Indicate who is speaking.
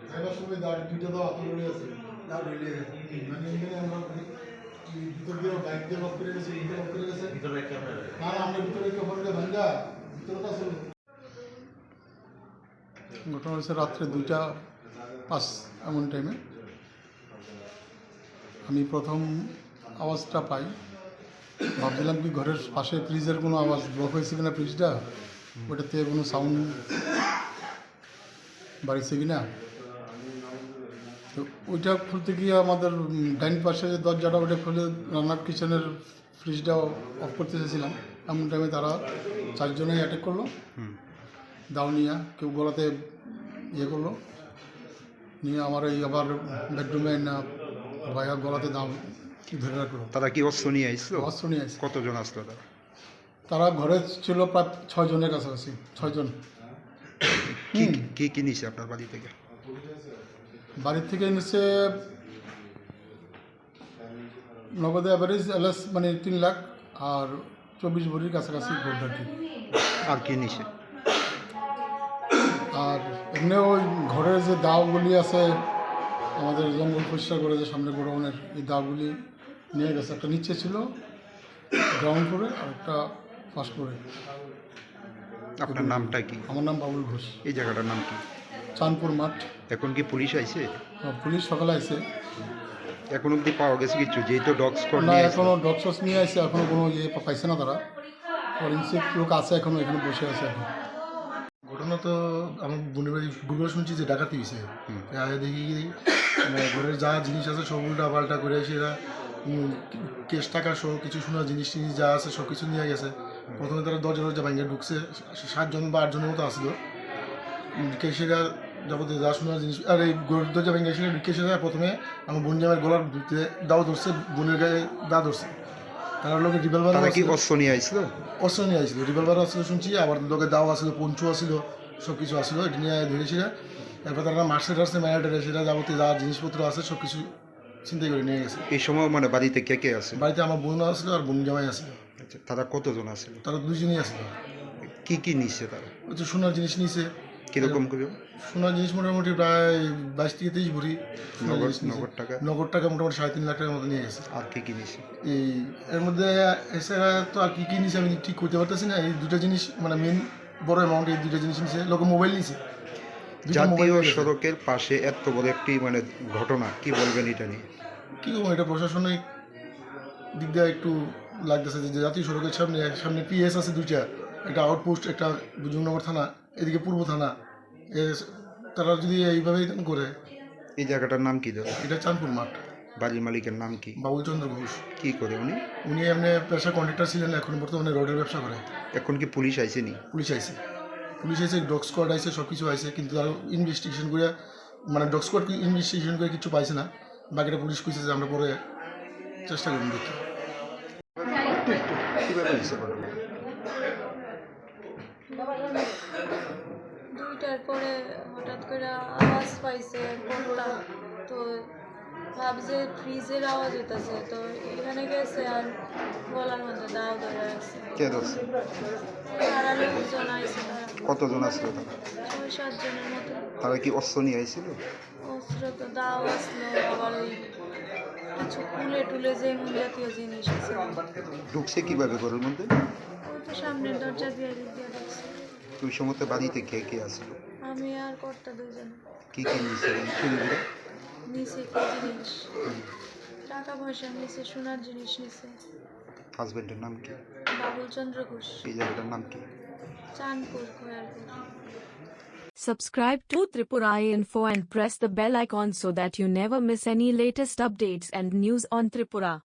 Speaker 1: এবার সবাই দাঁড় দুইটা তো হাতে রয়ে আছে দাঁড় রয়ে গেছে মানে এখানে আমরা ভিতর দিয়ে বাইক দিয়ে লক করে গেছে ভিতরে লক করে গেছে ভিতরে বাইক না আমরা ভিতরে কেউ পড়লে ভাঙ্গা ভিতরে তো আসলে ঘটনা হয়েছে রাত্রে 2:05 এমন টাইমে আমি প্রথম আওয়াজটা পাই ভাবছিলাম কি ঘরের পাশে ফ্রিজের কোনো আওয়াজ ব্লক হয়েছে কিনা ফ্রিজটা ওটাতে কোনো সাউন্ড বাড়িছে কিনা তো ওইটা খুলতে গিয়ে আমাদের ডাইন পাশে যে দরজাটা ওটা খুলে রান্নার কিচেনের ফ্রিজটা অফ করতে চেয়েছিলাম এমন টাইমে তারা 4 জনেই অ্যাটাক করলো দাও নিয়ে কেউ গলাতে ইয়ে করলো নিয়ে আমার এই আবার বেডরুমে না ভাইয়া গলাতে দাও ধরে রাখলো।
Speaker 2: তারা কি অস্ত্র নিয়ে আসছিল?
Speaker 1: অস্ত্র নিয়ে আসছে।
Speaker 2: কতজন আসলো তারা?
Speaker 1: তারা ঘরে ছিল প্রায় 6 জনের কাছাকাছি 6 জন।
Speaker 2: কি কি নিছে আপনার বাড়ি থেকে?
Speaker 1: বাড়ির থেকে নিচ্ছে নগদে অ্যাভারেজ এলএস মানে 3 লাখ আর 24 ভরির কাছাকাছি গোল্ড আর কি।
Speaker 2: আর কি নিছে?
Speaker 1: আর এমনি ওই ঘরের যে দাওগুলি আছে আমাদের জঙ্গল পরিষ্কার করে যে সামনে গোডাউনের এই দাওগুলি নিয়ে গেছে। একটা নিচে ছিল গ্রাউন্ড ফ্লোরে আর একটা ফার্স্ট ফ্লোরে।
Speaker 2: আপনার নামটা কি?
Speaker 1: আমার নাম বাবুল ঘোষ।
Speaker 2: এই জায়গাটার নাম কি?
Speaker 1: চাঁদপুর মাঠ।
Speaker 2: এখন কি পুলিশ আইছে?
Speaker 1: পুলিশ সকালে আইছে।
Speaker 2: এখন অব্দি পাওয়া গেছে কিছু? যেহেতু ডগ স্কোয়াড
Speaker 1: না এখনও ডগ স্কোয়াড নিয়ে আসছে এখনও কোনো ইয়ে পাইছে না তারা। ফরেন্সিক লোক আছে এখনও এখানে বসে আছে এখন। ঘটনা তো আমার বোনের বাড়ি গুগল শুনছি যে ডাকাতি হয়েছে দেখি ঘরের যা জিনিস আছে সব উল্টা পাল্টা করে সেরা কেশ টাকা সহ কিছু শোনা জিনিস টিনিস যা আছে সব কিছু নিয়ে গেছে। প্রথমে তারা দরজা ভাঙে ঢুকছে 7 জন বা 8 জনের মতো আসলো কেশেরা যাবতীয় যা শোনার জিনিস আর এই দরজা ভেঙে এসে কেশেরা প্রথমে আমার বোন জামের গলার দাও ধরছে বোনের গায়ে দা ধরছে। তারা লোকে রিভলভার
Speaker 2: কি অস্ত্র নিয়ে আসছিল?
Speaker 1: অস্ত্র নিয়ে আসছিল রিভলভার আসছিল শুনছি আবার লোকে দাও আসলো পঞ্চু আসছিল সব কিছু আসলো এটা নিয়ে ধরেছিল। এরপর তারা মার্সে টার্সে ম্যানেটারে সেটা যাবতীয় যা জিনিসপত্র আছে সব কিছু চিন্তাই করে নিয়ে গেছে।
Speaker 2: এই সময় মানে বাড়িতে কে কে আছে?
Speaker 1: বাড়িতে আমার বোন আসলো আর বোন জামাই আসলো।
Speaker 2: আচ্ছা, তারা কতজন আসলো?
Speaker 1: তারা 2 জনই আসলো।
Speaker 2: কি কি নিচ্ছে তারা?
Speaker 1: ওই তো সোনার জিনিস নিছে।
Speaker 2: কিরকম করে?
Speaker 1: সোনার জিনিস মোটামুটি প্রায় 22 থেকে 23 ভরি নগদ টাকা মোটামুটি 3.5 লাখ টাকার মতো নিয়ে গেছে।
Speaker 2: আর কি কি নিছে?
Speaker 1: এই এর মধ্যে এছাড়া তো আর কি কি নিছে আমি ঠিক করতে পারতেছি না। এই 2টা জিনিস মানে মেন বড় অ্যামাউন্ট এই 2টা জিনিস নিছে। লোক মোবাইল নিছে।
Speaker 2: জাতীয় সড়কের পাশে এত বড় একটি মানে ঘটনা, কি বলবেন এটা নিয়ে?
Speaker 1: কী বলবো, এটা প্রশাসনিক দিক দিয়ে একটু লাগতেছে যে জাতীয় সড়কের সামনে পিএস আছে 2টা, একটা আউটপোস্ট একটা জুমনগর থানা এদিকে পূর্ব থানা। তারা যদি এইভাবেই করে।
Speaker 2: এই জায়গাটার নাম কি দাদা?
Speaker 1: এটা চাঁদপুর মাঠ।
Speaker 2: বাড়ির মালিকের নাম কি?
Speaker 1: বাবুল চন্দ্র ঘোষ।
Speaker 2: কি করে উনি?
Speaker 1: উনি এমনি পেশা কন্ট্রাক্টর ছিলেন, এখন বর্তমানে রোডের ব্যবসা করে।
Speaker 2: এখন কি পুলিশ আইসেনি?
Speaker 1: পুলিশ আইছে ডগ স্কোয়াড আইছে সব কিছু আইছে কিন্তু তারা ইনভেস্টিগেশন করে মানে ডগ স্কোয়াড ইনভেস্টিগেশন করে কিছু পাইছে না। বাকিটা পুলিশ কইছে যে আমরা পরে চেষ্টা করুন দেখি।
Speaker 2: কীভাবে হয়েছে ঘটনা?
Speaker 3: 2টার পরে হঠাৎ করে আওয়াজ পাইছে কোনটা তো ভাবছে ফ্রিজের আওয়াজ হইতেছে তো এখানে গেছে আর গলার মধ্যে দাও ধরে আছে।
Speaker 2: কে ধরছে?
Speaker 3: তারা লোকজন আইছে তারা
Speaker 2: কতজন আসলো তারা?
Speaker 3: 6-7 জনের মতো।
Speaker 2: তারা কি অস্ত্র নিয়ে আইছিল?
Speaker 3: অস্ত্র তো দাও আসলো আবার ওই কিছু কুলে টুলে যে জাতীয় জিনিস আছে।
Speaker 2: ঢুকছে কিভাবে ঘরের মধ্যে?
Speaker 3: ওই তো সামনের দরজা দিয়ে ঢুকছে।
Speaker 2: ওই সময় বাড়িতে কে কে আসলো?
Speaker 3: আমি আর কর্তা 2 জন।
Speaker 2: কি কি নিচ্ছে চুরিগুলো?
Speaker 3: নিচে কি জিনিস টাকা পয়সা নিচে সোনার জিনিস নিচে।
Speaker 2: হাজবেন্ডের নাম কি?
Speaker 3: বাবুল চন্দ্র ঘোষ।
Speaker 2: এই জায়গাটার নাম কি?
Speaker 3: Chandpur খোয়ারপুর।
Speaker 4: Subscribe to Tripura Info and press the bell icon so that you never miss any latest updates and news on Tripura.